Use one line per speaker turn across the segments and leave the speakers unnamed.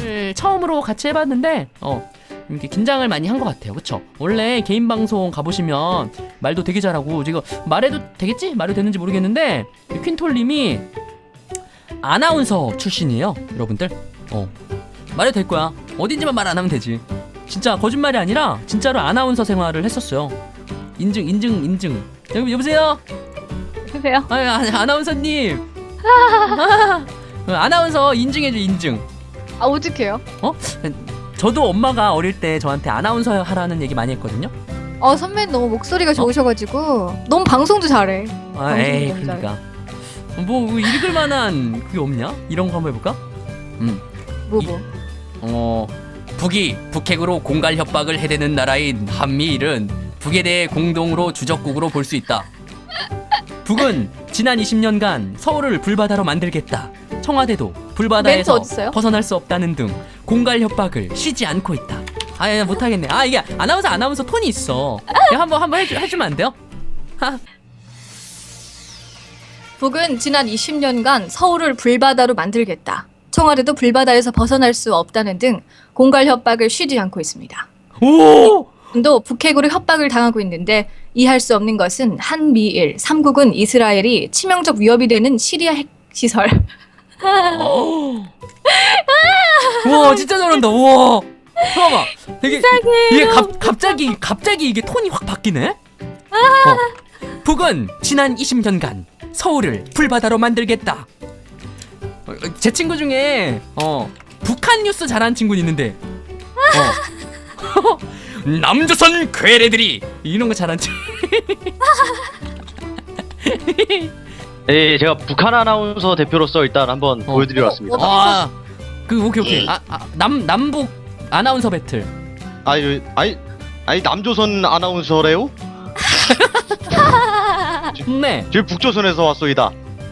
처음으로 같이 해봤는데 이렇게 긴장을 많이 한 것 같아요. 그쵸? 원래 개인 방송 가보시면 말도 되게 잘하고 지금 말해도 되겠지? 말해도 되는지 모르겠는데 퀸톨님이 아나운서 출신이에요, 여러분들. 말해도 될 거야. 어딘지만 말 안 하면 되지. 진짜 거짓말이 아니라 진짜로 아나운서 생활을 했었어요. 인증. 여보세요?
여보세요?
아나운서님. 아나운서 인증해줘, 인증.
아, 오직해요?
저도 엄마가 어릴 때 저한테 아나운서 하라는 얘기 많이 했거든요.
선배님 너무 목소리가 좋으셔가지고 너무 방송도 잘해.
에이,
너무 잘해.
그러니까 뭐 읽을 만한 그게 없냐? 이런 거 한번 해볼까? 북이 북핵으로 공갈 협박을 해대는 나라인 한미일은 북에 대해 공동으로 주적국으로 볼 수 있다. 북은 지난 20년간 서울을 불바다로 만들겠다. 청와대도 불바다에서 벗어날 수 없다는 등 공갈 협박을 쉬지 않고 있다. 못하겠네. 이게 아나운서 톤이 있어. 한번 해주면 안 돼요?
북은 지난 20년간 서울을 불바다로 만들겠다. 청와대도 불바다에서 벗어날 수 없다는 등 공갈 협박을 쉬지 않고 있습니다.
오!
도 북핵으로 협박을 당하고 있는데 이해할 수 없는 것은 한미일 3국은 이스라엘이 치명적 위협이 되는 시리아 핵시설.
우와, 진짜 잘한다. 우와. 잠깐만. 되게 이게 갑자기 이게 톤이 확 바뀌네. 북은 지난 20년간 서울을 불바다로 만들겠다. 제 친구 중에 북한 뉴스 잘하는 친구 있는데 남조선 괴뢰들이 이런 거 잘하는 친구.
네, 제가 북한 아나운서 대표로서 일단 한번 보여드리러 왔습니다.
오케이. 남북 아나운서 배틀.
아니 남조선 아나운서래요?
네.
저희 북조선에서 왔소이다.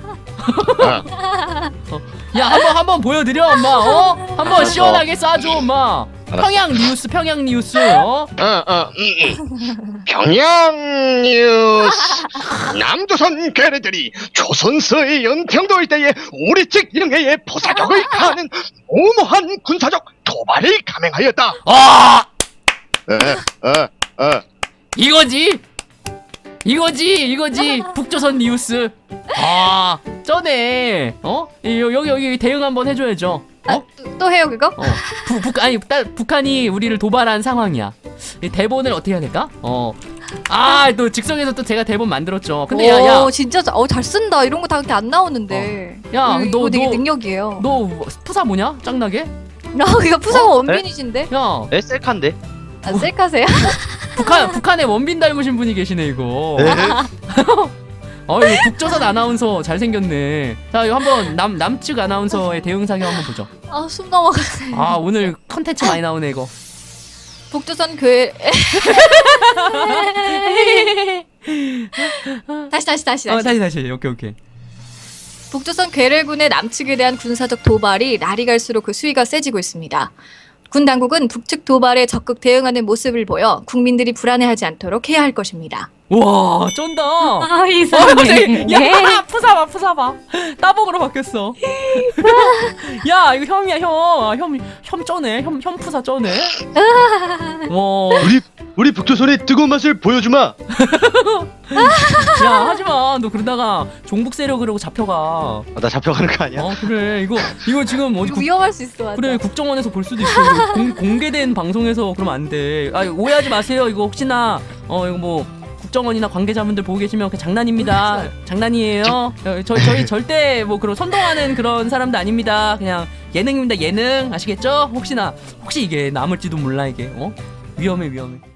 야, 한번 보여드려, 엄마. 한번 시원하게 쏴줘, 엄마. 평양 뉴스.
평양 뉴스. 남조선 괴뢰들이 조선서의 연평도 일대에 우리 측 영해에 포사적을 가하는 무모한 군사적 도발을 감행하였다.
이거지. 북조선 뉴스. 쩌네. 여기 대응 한번 해줘야죠.
또 해요 그거?
북한이 우리를 도발한 상황이야. 이 대본을 어떻게 해야 될까? 또 즉석에서 또 제가 대본 만들었죠. 근데 야,
진짜 잘 쓴다. 이런 거 다 그렇게 안 나오는데.
너
되게 능력이에요.
너 푸사 뭐냐? 짱나게?
이거 푸사가 원빈이신데?
야,
셀카인데?
셀카세요?
북한에 원빈 닮으신 분이 계시네 이거. 이거 북조선 아나운서 잘생겼네. 자, 이거 한번 남측 아나운서의 대응 사격 한번 보죠.
숨 넘어가네.
오늘 컨텐츠 많이 나오네 이거.
북조선 다시.
다시. 오케이.
북조선 괴뢰군의 남측에 대한 군사적 도발이 날이 갈수록 그 수위가 세지고 있습니다. 군 당국은 북측 도발에 적극 대응하는 모습을 보여 국민들이 불안해하지 않도록 해야 할 것입니다.
와, 쩐다.
이상해.
야, 푸사 봐. 따봉으로 바뀌었어. 야, 이거 형이야, 형 쩌네. 형 푸사 쩌네.
우리 북조선의 뜨거운 맛을 보여주마.
야, 하지마. 너 그러다가 종북 세력으로 잡혀가.
나 잡혀가는 거 아니야?
그래. 이거 지금 어디
위험할 수 있어. 맞아.
그래, 국정원에서 볼 수도 있어. 이거 공개된 방송에서 그러면 안 돼. 오해하지 마세요. 이거 혹시나 이거 뭐 국정원이나 관계자분들 보고 계시면 그냥 장난입니다. 장난이에요. 저희 절대 뭐 그런 선동하는 그런 사람도 아닙니다. 그냥 예능입니다. 예능. 아시겠죠? 혹시 이게 남을지도 몰라 이게. 위험해.